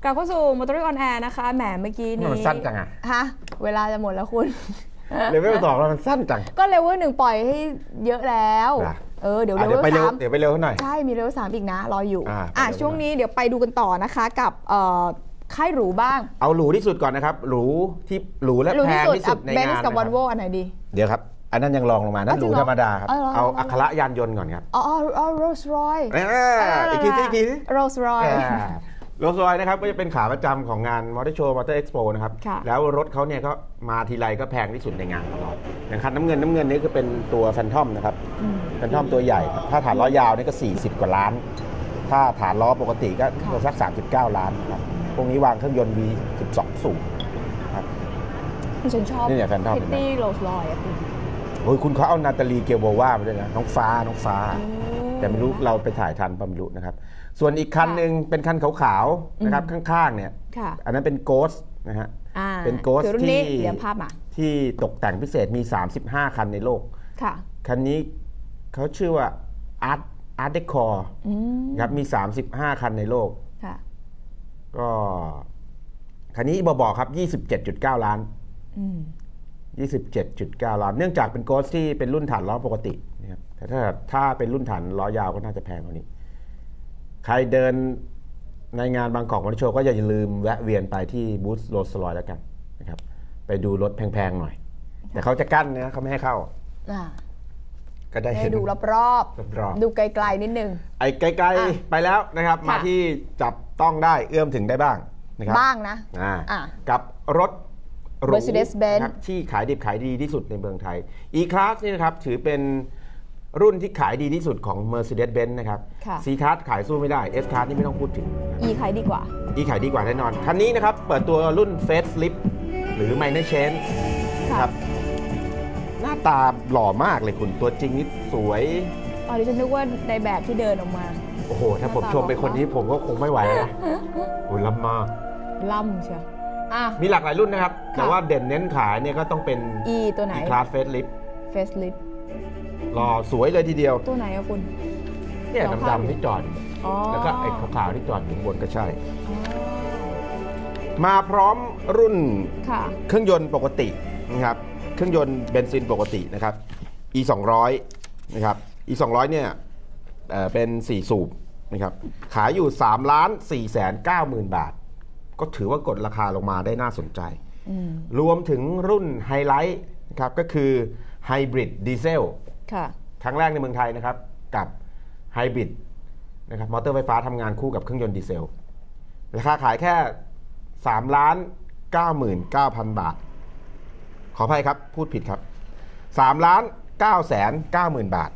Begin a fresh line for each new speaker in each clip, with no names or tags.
ลับเข้าสู่ Motoring on Air นะคะแหมเมื่อกี้นี้
มันสั้นจังอะ
ฮะเวลาจะหมดแล้วคุณ
เลเวล2แล้วมันสั้นจัง
ก็เลเวล1ปล่อยให้เยอะแล้วเดี๋ยวเลเวล3
เดี๋ยวไปเร็วหน่อย
ใช่มีเลเวล3อีกนะรออยู่ช่วงนี้เดี๋ยวไปดูกันต่อนะคะกับค่ายหรูบ้าง
เอาหรูที่สุดก่อนนะครับหรูและแพงที่สุดในงาน
เบนซ์กับวอลโว่อันไหนดี
เดี๋ยวครับอันนั้นยังรองลงมานั่นหรูธรรมดาครับเอาอัคระยานยนต์ก่อนครับ
โรลส์รอยซ์
อีกที
โรลส์รอยซ์
โรลส์รอยซ์นะครับก็จะเป็นขาประจำของงานมอเตอร์โชว์มอเตอร์เอ็กซ์โปนะครับแล้วรถเขาเนี่ยก็มาทีไรก็แพงที่สุดในงานตลอดอย่างคันน้ำเงินนี่ก็เป็นตัวแฟนทอมนะครับแฟนทอมตัวใหญ่ถ้าฐานล้อยาวนี่ก็40กว่าล้านถ้าฐานล้อปกติก็สัก39ล้านครับพวกนี้วางเครื่องยนต์ V12 สูบครับ
ฉันชอบ
นี่เนี่ยแฟนทอม
พิตตี้โรลส์รอยซ์
โอ้ยคุณเขาเอานาตาลีเกลโบวามาด้วยนะน้องฟ้าแต่ไม่รู้เราไปถ่ายทันป่ะไม่รู้นะครับส่วนอีกคันหนึ่งเป็นคันขาวๆนะครับข้างๆเนี่ยอันนั้นเป็นโกสนะฮะเป็นโกสที่ตกแต่งพิเศษมี35คันในโลกคันนี้เขาชื่อว่าอาร์ตเดคอร์ครับมี35คันในโลกก็คันนี้บอกครับ 27.9 ล้าน27.9 ล้านเนื่องจากเป็นโกสที่เป็นรุ่นฐานล้อปกตินะครับแต่ถ้าเป็นรุ่นฐานล้อยาวก็น่าจะแพงกว่านี้ใครเดินในงานบางกอกมอเตอร์โชว์ก็อย่าลืมแวะเวียนไปที่บูธโรลส์รอยซ์แล้วกันนะครับไปดูรถแพงๆหน่อยแต่เขาจะกั้นนะเขาไม่ให้เข้าก็ได้
ดูรอบๆดูไกลๆนิดนึง
ไอ้ไกลๆไปแล้วนะครับมาที่จับต้องได้เอื้อมถึงได้บ้างนะครับ
บ้างนะ
กับรถ
Mercedes-Benz
ที่ขายดิบขายดีที่สุดในเมืองไทย E-Class นี่นะครับถือเป็นรุ่นที่ขายดีที่สุดของ Mercedes-Benz นะครับ C-Class ขายสู้ไม่ได้ S-Class นี่ไม่ต้องพูดถึง
E ขายดีกว่า
E ขายดีกว่าแน่นอนคันนี้นะครับเปิดตัวรุ่น Facelift หรือ Minor Change ครับหน้าตาหล่อมากเลยคุณตัวจริงนี่สวย
ดิฉันนึกว่าในแบบที่เดินออกมา
โอ้โหถ้าผมชมไปคนนี้ผมก็คงไม่ไหวนะโอ้ล้ำมาก
ล้ำเชียว
มีหลากหลายรุ่นนะครับแต่ว่าเด่นเน้นขายเนี่ยก็ต้องเป็น
E ตัวไหน
E-Class Facelift หล่อสวยเลยทีเดียว
ตัวไหนอะคุณ
เนี่ยดำๆที่จอดแล้วก็ไอ้ขาวๆที่จอดอยู่บนก็ใช่มาพร้อมรุ่นเครื่องยนต์ปกตินะครับเครื่องยนต์เบนซินปกตินะครับ E 200นะครับ E 200เนี่ยเป็น4สูบนะครับขายอยู่3,490,000 บาทก็ถือว่ากดราคาลงมาได้น่าสนใจรวมถึงรุ่นไฮไลท์นะครับก็คือไฮบริดดีเซลครั้งแรกในเมืองไทยนะครับกับไฮบริดนะครับมอเตอร์ไฟฟ้าทำงานคู่กับเครื่องยนต์ดีเซลราคาขายแค่ 3,99,000 บาทขออภัยครับพูดผิดครับ 3,990,000 บาท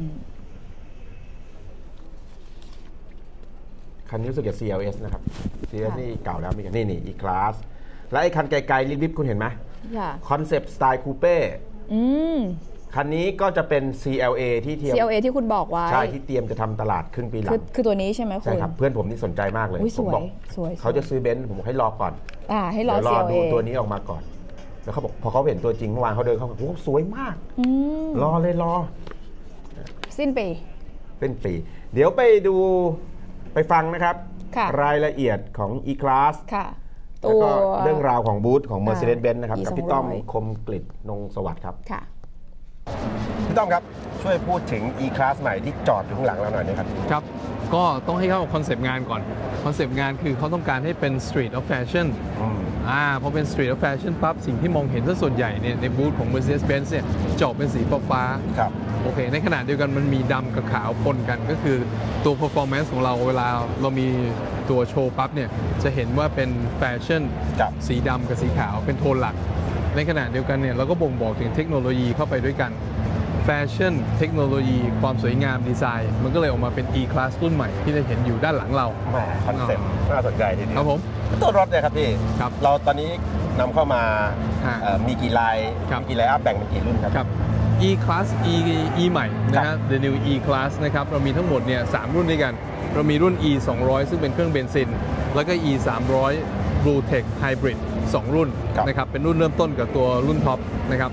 คันนี้รู้สึกจะ CLS นะครับ CLS นี่เก่าแล้วมีกันนี่ E-Class และไอ้คันไกลๆลิบๆคุณเห็นไหมคอนเซปต์สไตล์คูเป้คันนี้ก็จะเป็น CLA ที่
CLA ที่คุณบอกไว้
ใช่ที่เตรียมจะทำตลาดครึ่งปีหลัง
คือตัวนี้ใช่ไหมคุณ
ใช่ครับเพื่อนผมนี่สนใจมากเลยผมบอกเขาจะซื้อเบนซ์ผมบอกให้รอก่อน
ให้รอ
CLA ดูตัวนี้ออกมาก่อนแล้วเขาบอกพอเขาเห็นตัวจริงเมื่อวานเขาเดินเขาบอกโอ้สวยมากรอ
สิ้นปี
เดี๋ยวไปดูไปฟังนะครับรายละเอียดของ E-Class แล้วก็เรื่องราวของบูธของ Mercedes-Benz นะครับกับพี่ต้อมคมกฤษนงสวัสดิ์ครับพี่ต้อมครับช่วยพูดถึง E-Class ใหม่ที่จอดอยู่ข้างหลังเราหน่อยนะครับ
ครับก็ต้องให้เข้ากับคอนเซปต์งานก่อนคอนเซปต์งานคือเขาต้องการให้เป็น Street of Fashion พอเป็น Street of Fashion ปั๊บสิ่งที่มองเห็นซะส่วนใหญ่เนี่ยในบูธของ Mercedes-Benz เนี่ยจะออกเป็นสีฟ้าโอเคในขณะเดียวกันมันมีดำกับขาวปนกันก็คือตัว performance ของเราเวลาเรามีตัวโชว์ปั๊บเนี่ยจะเห็นว่าเป็นแฟชั่นสีดำกับสีขาวเป็นโทนหลักในขณะเดียวกันเนี่ยเราก็บ่งบอกถึงเทคโนโลยีเข้าไปด้วยกันแฟชั่นเทคโนโลยีความสวยงามดีไซน์มันก็เลยออกมาเป็น E-Class รุ่นใหม่ที่ได้เห็นอยู่ด้านหลังเรา
คอนเซ็ปต์น่าสนใจทีเดียว
ครับผม
ตัวรถเนี่ยครับพี่เราตอนนี้นำเข้ามามีกี่ลายอัพแบ่งเป็นกี่รุ่นครับ
E-Class E ใหม่นะฮะ The New E-Class นะครับเรามีทั้งหมดเนี่ย3รุ่นด้วยกันเรามีรุ่น E 200ซึ่งเป็นเครื่องเบนซินแล้วก็ E 300 Blue Tech Hybrid 2 รุ่นนะครับเป็นรุ่นเริ่มต้นกับตัวรุ่นท็อปนะครับ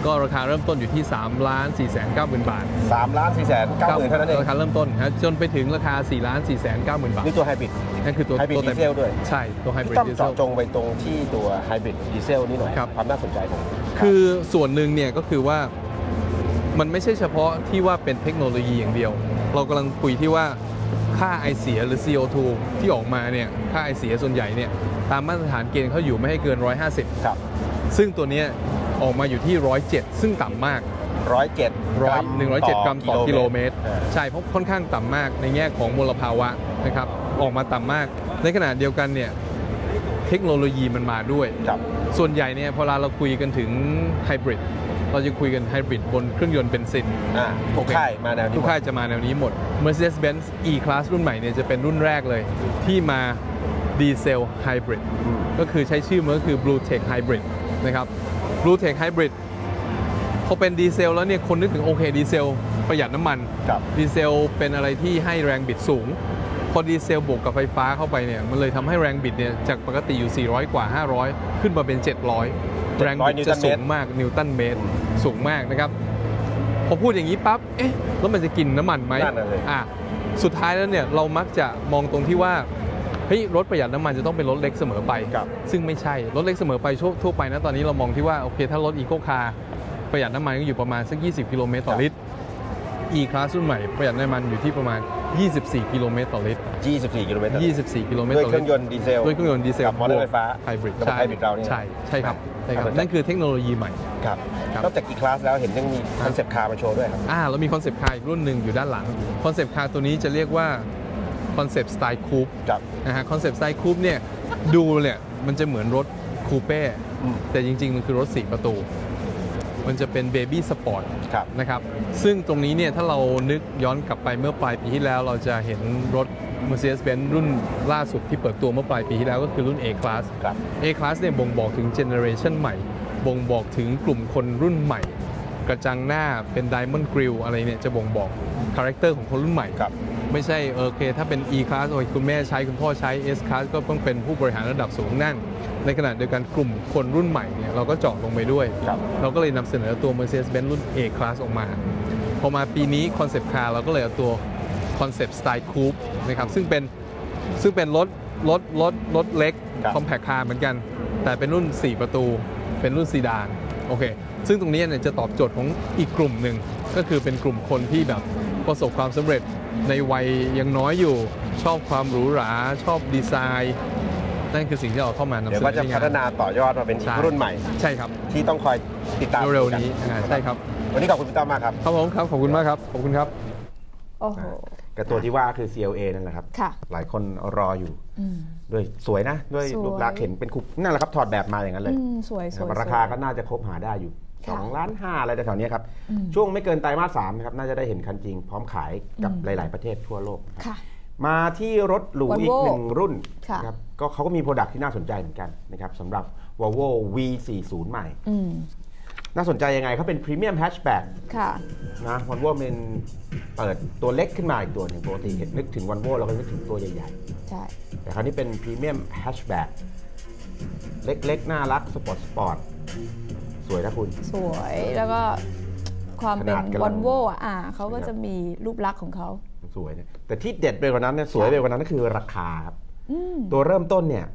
ก็ราคาเริ่มต้นอยู่ที่ 3,490,000 บาท
3,490,000เท่านั้นเอง
ราคาเริ่มต้นนะจนไปถึงราคา 4,490,000 บาท
นี่ตัวไฮบริด
นั่นคือตัว
ไฮบริดดีเซลด้วย
ใช่ตัวไฮบริด
ต้อง
ดีเซล
เจาะจงไปตรงที่ตัวไฮบริดดีเซลนี่หน่อยความน่าสนใจของ
คือส่วนหนึ่งเนี่ยก็คือว่ามันไม่ใช่เฉพาะที่ว่าเป็นเทคโนโลยีอย่างเดียวเรากำลังคุยที่ว่าค่าไอเสียหรือ CO2 ที่ออกมาเนี่ยค่าไอเสียส่วนใหญ่เนี่ยตามมาตรฐานเกณฑ์เขาอยู่ไม่ให้เกิน150
ครับ
ซึ่งตัวนี้ออกมาอยู่ที่107ซึ่งต่ำมาก107 กรัมต่อกิโลเมตรใช่เพราะค่อนข้างต่ำมากในแง่ของมลภาวะนะครับออกมาต่ำมากในขณะเดียวกันเนี่ยเทคโนโลยีมันมาด้วยส่วนใหญ่เนี่ยพอเราคุยกันถึงไฮบริดเราจะคุยกันไฮบริดบนเครื่องยนต์เบนซิน
ทุกค่ายมาแนวนี้
ทุกค่ายจะมาแนวนี้หมด Mercedes-Benz E-Class รุ่นใหม่เนี่ยจะเป็นรุ่นแรกเลยที่มาดีเซลไฮบริดก็คือใช้ชื่อมันก็คือ Blue Tech Hybrid นะครับ Blue Tech Hybrid พอเป็นดีเซลแล้วเนี่ยคนนึกถึงโอเคดีเซลประหยัดน้ำมันดีเซลเป็นอะไรที่ให้แรงบิดสูงพอดีเซลบวกกับไฟฟ้าเข้าไปเนี่ยมันเลยทำให้แรงบิดเนี่ยจากปกติอยู่400กว่า500ขึ้นมาเป็น700แรงบิดจะสูงมากนิวตันเมตรสูงมากนะครับพอพูดอย่างนี้ปั๊บเอ๊ะแล้วมันจะกินน้ำมันไหมสุดท้ายแล้วเนี่ยเรามักจะมองตรงที่ว่าเฮ้ยรถประหยัดน้ำมันจะต้องเป็นรถเล็กเสมอไปซึ่งไม่ใช่รถเล็กเสมอไปทั่วไปนะตอนนี้เรามองที่ว่าโอเคถ้ารถอีโคคาร์ประหยัดน้ำมันก็อยู่ประมาณสัก20กิโลเมตรต่อลิตร E-Class รุ่นใหม่ประหยัดน้ำมันอยู่ที่ประมาณ24กิโลเมตรต่อลิตร
24กิโลเมตร
24กิโลเมตรต่อลิตร
ด้วยเครื่องยนต์ดีเซล
กับ
มอเตอร์ไฟฟ้า
ไฮบริด
เราเนี่ย
ใช่ครับนั่นคือเทคโนโลยีใหม่
ครับนอกจาก E-Class แล้วเห็นยังมีคอนเซปต์คาร์มาโชว์ด้วยครับ
แล้วมีคอนเซปต์คาร์อีกรุ่นหนึ่งอยู่ด้านหลังคอนเซปต์คาร์ตัวนี้จะเรียกว่าคอนเซปต์สไตล์คูปนะฮะคอนเซปต์สไตล์คูปเนี่ยดูเนี่ยมันจะเหมือนรถคูเป้แต่จริงๆมันคือรถ4ประตูมันจะเป็นเบบี้สปอร์ตนะครับซึ่งตรงนี้เนี่ยถ้าเรานึกย้อนกลับไปเมื่อปลายปีที่แล้วเราจะเห็นรถ Mercedes-Benz รุ่นล่าสุดที่เปิดตัวเมื่อปลายปีที่แล้วก็คือรุ่น A-Class A-Class เนี่ยบ่งบอกถึงเจเนอเรชันใหม่บ่งบอกถึงกลุ่มคนรุ่นใหม่กระจังหน้าเป็น Diamond Grille อะไรเนี่ยจะบ่งบอกคาแรคเตอร์ของคนรุ่นใหม่ไม่ใช่โอเคถ้าเป็น E-Class โอ้ยคุณแม่ใช้คุณพ่อใช้ S-Class ก็ต้องเป็นผู้บริหารระดับสูงนั่งในขณะเดียวกันกลุ่มคนรุ่นใหม่เนี่ยเราก็เจาะลงไปด้วยเราก็เลยนำเสนอตัว Mercedes-Benz รุ่น A-Class ออกมาพอมาปีนี้คอนเซปต์คาร์เราก็เลยเอาตัวคอนเซปต์สไตล์คูปนะครับซึ่งเป็นรถเล็กคอมแพคคาร์เหมือนกันแต่เป็นรุ่น4ประตูเป็นรุ่นซีดานโอเคซึ่งตรงนี้เนี่ยจะตอบโจทย์ของอีกกลุ่มหนึ่งก็คือเป็นกลุ่มคนที่แบบประสบความสำเร็จในวัยยังน้อยอยู่ชอบความหรูหราชอบดีไซน์นั่นคือสิ่งที่เราเข้ามานำเสนอ
เดี๋ยวก็จะพัฒนาต่อยอดมาเป็นรุ่นใหม่
ใช่ครับ
ที่ต้องคอยติดตาม
เร็วๆนี้ใช่ครับ
วันนี้ขอบคุณพี่ต้อมมากครับ
ครับผมครับขอบคุณมากครับขอบคุณครับ
โอ้โห
กับตัวที่ว่าคือ CLA นั่นแหละครับหลายคนรออยู่ด้วยสวยนะด้วยรูปลักษณ์เห็นเป็นคุปนั่นแหละครับถอดแบบมาอย่างนั้นเลย
สวย
ราคาก็น่าจะคบหาได้อยู่2.5 ล้านอะไรแถวนี้ครับช่วงไม่เกินไตรมาส 3นะครับน่าจะได้เห็นคันจริงพร้อมขายกับหลายๆประเทศทั่วโลกมาที่รถหรูอีก1รุ่นครับก็เขาก็มีโปรดักต์ที่น่าสนใจเหมือนกันนะครับสำหรับ Volvo V40 ใหม่น่าสนใจยังไงเขาเป็นพรีเมียมแฮชแบ็กนะ Volvo เป็นเปิดตัวเล็กขึ้นมาอีกตัวหนึ่งปกตินึกถึง Volvo เราก็นึกถึงตัวใหญ่
ๆใช่
แต่คราวนี้เป็นพรีเมียมแฮชแบ็กเล็กๆน่ารักสปอร์ตสวยนะคุณ
สวยแล้วก็ความเป็น Volvo เขาก็จะมีรูปลักษณ์ของเขา
สวยเนี่ยแต่ที่เด็ดไปกว่านั้นเนี่ยสวยไปกว่านั้นก็คือราคาครับตัวเริ่มต้นเนี่ย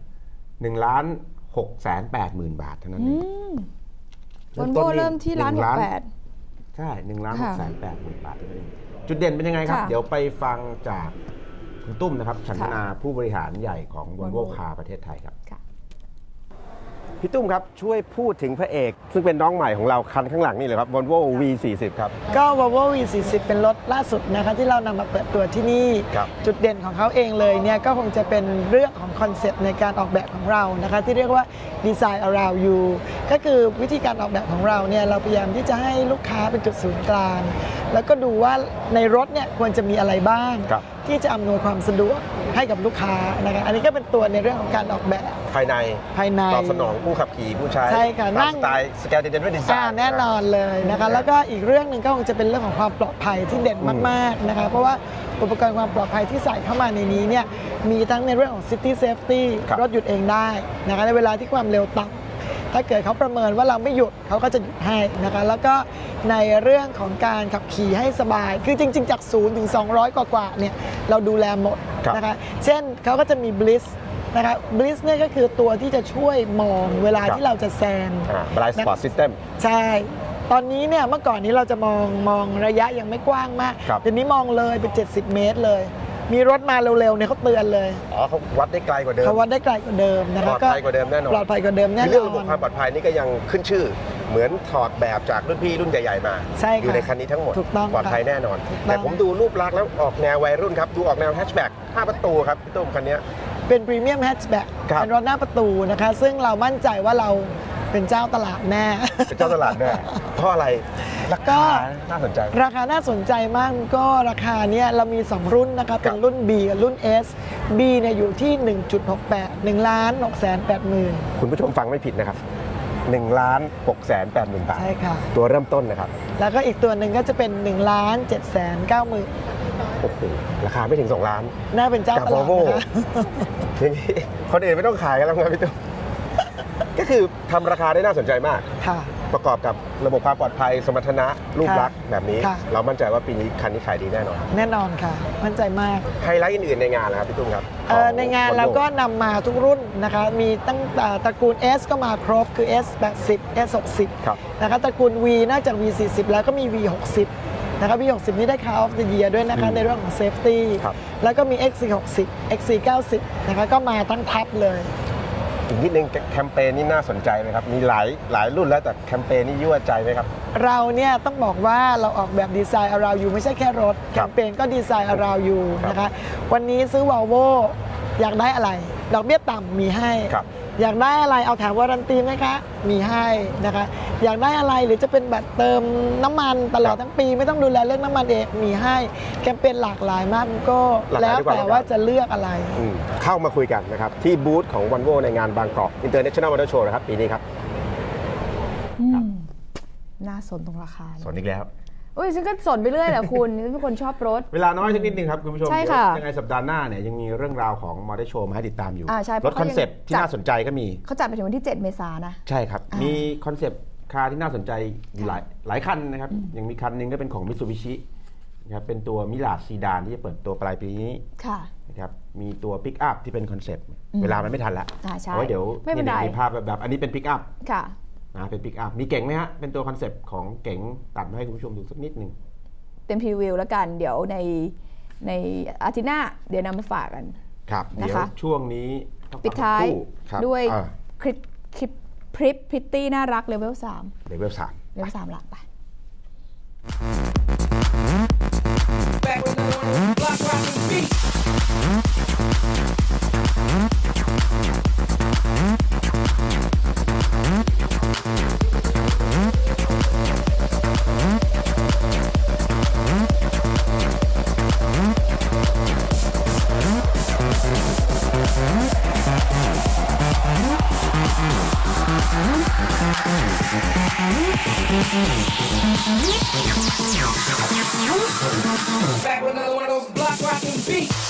1,680,000 บาทเท่านั้นเอง
Volvo เริ่มที่1,68,000
ใช่1,680,000 บาทเท่านั้นเองจุดเด่นเป็นยังไงครับเดี๋ยวไปฟังจากคุณตุ้มนะครับฉันทนาผู้บริหารใหญ่ของ Volvo Car ประเทศไทยครับพี่ตุ้มครับช่วยพูดถึงพระเอกซึ่งเป็นน้องใหม่ของเราคันข้างหลังนี่เลยครับ Volvo V40 ครับ
ก็ Volvo V40 เป็นรถล่าสุดนะคะที่เรานำมาเปิดตัวที่นี่จุดเด่นของเขาเองเลยเนี่ยก็คงจะเป็นเรื่องของคอนเซ็ปต์ในการออกแบบของเรานะคะที่เรียกว่า Design Around You ก็คือวิธีการออกแบบของเราเนี่ยเราพยายามที่จะให้ลูกค้าเป็นจุดศูนย์กลางแล้วก็ดูว่าในรถเนี่ยควรจะมีอะไรบ้างที่จะอำนวยความสะดวกให้กับลูกค้านะคะอันนี้ก็เป็นตัวในเรื่องของการออกแบบ
ภายในตอบสนองผู้ขับขี่ผู้ใช้
ใช่ค่ะนั่ง
สไตล์สแกนดิเนเวียนดีไซน์
แน่นอนเลยนะคะแล้วก็อีกเรื่องหนึ่งก็คงจะเป็นเรื่องของความปลอดภัยที่เด่นมากๆนะคะเพราะว่าอุปกรณ์ความปลอดภัยที่ใส่เข้ามาในนี้เนี่ยมีทั้งในเรื่องของ City Safety รถหยุดเองได้นะคะในเวลาที่ความเร็วต่ำถ้าเกิดเขาประเมินว่าเราไม่หยุดเขาก็จะหยุดให้นะคะแล้วก็ในเรื่องของการขับขี่ให้สบายคือจริงๆจาก0ถึง200กว่าเนี่ยเราดูแลหมดนะคะเช่นเขาก็จะมี Bliss นะคะBliss เนี่ยก็คือตัวที่จะช่วยมองเวลาที่เราจะแซง
Blind Spot System
ใช่ตอนนี้เนี่ยเมื่อก่อนนี้เราจะมองระยะยังไม่กว้างมากเดี๋ยวนี้มองเลยเป็น70 เมตรเลยมีรถมาเร็วๆเนี่ยเขาเตือนเลย
เขาวัดได้ไกลกว่าเดิม
เขาวัดได้ไกลกว่าเดิมนะคะ
ปลอดภัยกว่าเดิมแน่นอน
ปลอดภัยกว่าเดิมแน่นอน
เรื่องระบบความปลอดภัยนี่ก็ยังขึ้นชื่อเหมือนถอดแบบจากรุ่นพี่รุ่นใหญ่ๆมาอยู่ในคันนี้ทั้งหมดปลอดภัยแน่นอนแต่ผมดูรูปลักษณ์แล้วออกแนววัยรุ่นครับดูออกแนวแฮชแบ็ก5 ประตูครับพี่ตุ้มคันนี้
เป็นพรีเมียมแฮชแบ็กเป็นรถหน้าประตูนะคะซึ่งเรามั่นใจว่าเราเป็นเจ้าตลาดแน่
เป็นเจ้าตลาดแน่เพราะอะไรราคาน่าสนใจ
ราคาน่าสนใจมากก็ราคาเนี้ยเรามี2รุ่นนะคะเป็นรุ่น B กับรุ่น S B เนี่ยอยู่ที่ 1.68 1,680,000
คุณผู้ชมฟังไม่ผิดนะครับ1,680,000 บาท
ใช่ค่ะ
ตัวเริ่มต้นนะครับ
แล้วก็อีกตัวหนึ่งก็จะเป็น1,790,000
โอ้โหราคาไม่ถึง2 ล้าน
น่าเป็นเจ้าตลาดนะคะ
อย่างนี้คนอื่นไม่ต้องขายกันแล้วครับพี่ตุ้มก็คือทำราคาได้น่าสนใจมากประกอบกับระบบความปลอดภัยสมรรถนะรูปลักษณ์แบบนี้เรามั่นใจว่าปีนี้คันนี้ขายดีแน่นอน
แน่นอนค่ะมั่นใจมาก
ไฮไลท์อื่นๆในงานนะครับพี่ตุ้มครับ
ในงานเราก็นำมาทุกรุ่นนะคะมีตั้งแต่ตระกูล S ก็มาครบคือ S80 S60 นะคะตระกูล V นอกจาก V40 แล้วก็มี V60 นะคะ V60 นี่ได้ Car of the Year ด้วยนะคะในเรื่องของ Safety แล้วก็มี XC60 XC90 นะคะก็มาทั้งทับเลย
อีกนิดนึงแคมเปญนี่น่าสนใจไหมครับมีหลายรุ่นแล้วแต่แคมเปญนี่ยั่วใจไหมครับ
เราเนี่ยต้องบอกว่าเราออกแบบดีไซน์ around you ไม่ใช่แค่รถแคมเปญก็ดีไซน์ around you นะคะวันนี้ซื้อ Volvo อยากได้อะไรดอกเบี้ยต่ำมีให้อยากได้อะไรเอาแถมวารันตีไหมคะมีให้นะคะอยากได้อะไรหรือจะเป็นแบบเติมน้ำมันตลอดทั้งปีไม่ต้องดูแลเรื่องน้ำมันเองมีให้แคมเปญหลากหลายมากก็แล้วแต่ว่าจะเลือกอะไร
เข้ามาคุยกันนะครับที่บูธของ Volvo ในงานบางกอก International Motor Show นะครับปีนี้ครับ
น่าสนตรงราคา
สนอีกแล้ว
ฉันก็สนไปเรื่อยแหละคุณเป็นคนชอบรถ
เวลาน้อยสักนิดนึงครับคุณผู้ชมยังไงสัปดาห์หน้าเนี่ยยังมีเรื่องราวของมอเตอร์โชว์มาให้ติดตามอยู่รถคอนเซปต์ที่น่าสนใจก็มี
เขาจัดไปถึงวันที่7 เมษายนนะ
ใช่ครับมีคอนเซปต์คาร์ที่น่าสนใจอยู่หลายคันนะครับยังมีคันนึงก็เป็นของมิตซูบิชินะครับเป็นตัวมิลาซีดานที่จะเปิดตัวปลายปีนี้นะครับมีตัวปิกอัพที่เป็นคอนเซปต์เวลามันไม่ทันละเพราะเดี๋ยวมีภาพแบบอันนี้เป็นปิกอัพเป็นปิกอัพมีเก๋งไหมฮะเป็นตัวคอนเซปต์ของเก๋งตัดมาให้คุณผู้ชมดูสักนิดนึง
เป็นพรีวิวแล้วกันเดี๋ยวในอาทิตย์หน้าเดี๋ยวนำมาฝากกัน
ครับเดี๋ยวช่วงนี้
ปิดท้ายด้วยคลิปพริตตี้น่ารักเลเวล 3
เลเวล 3
หลักไป
Back with another one of those block rockin' beats.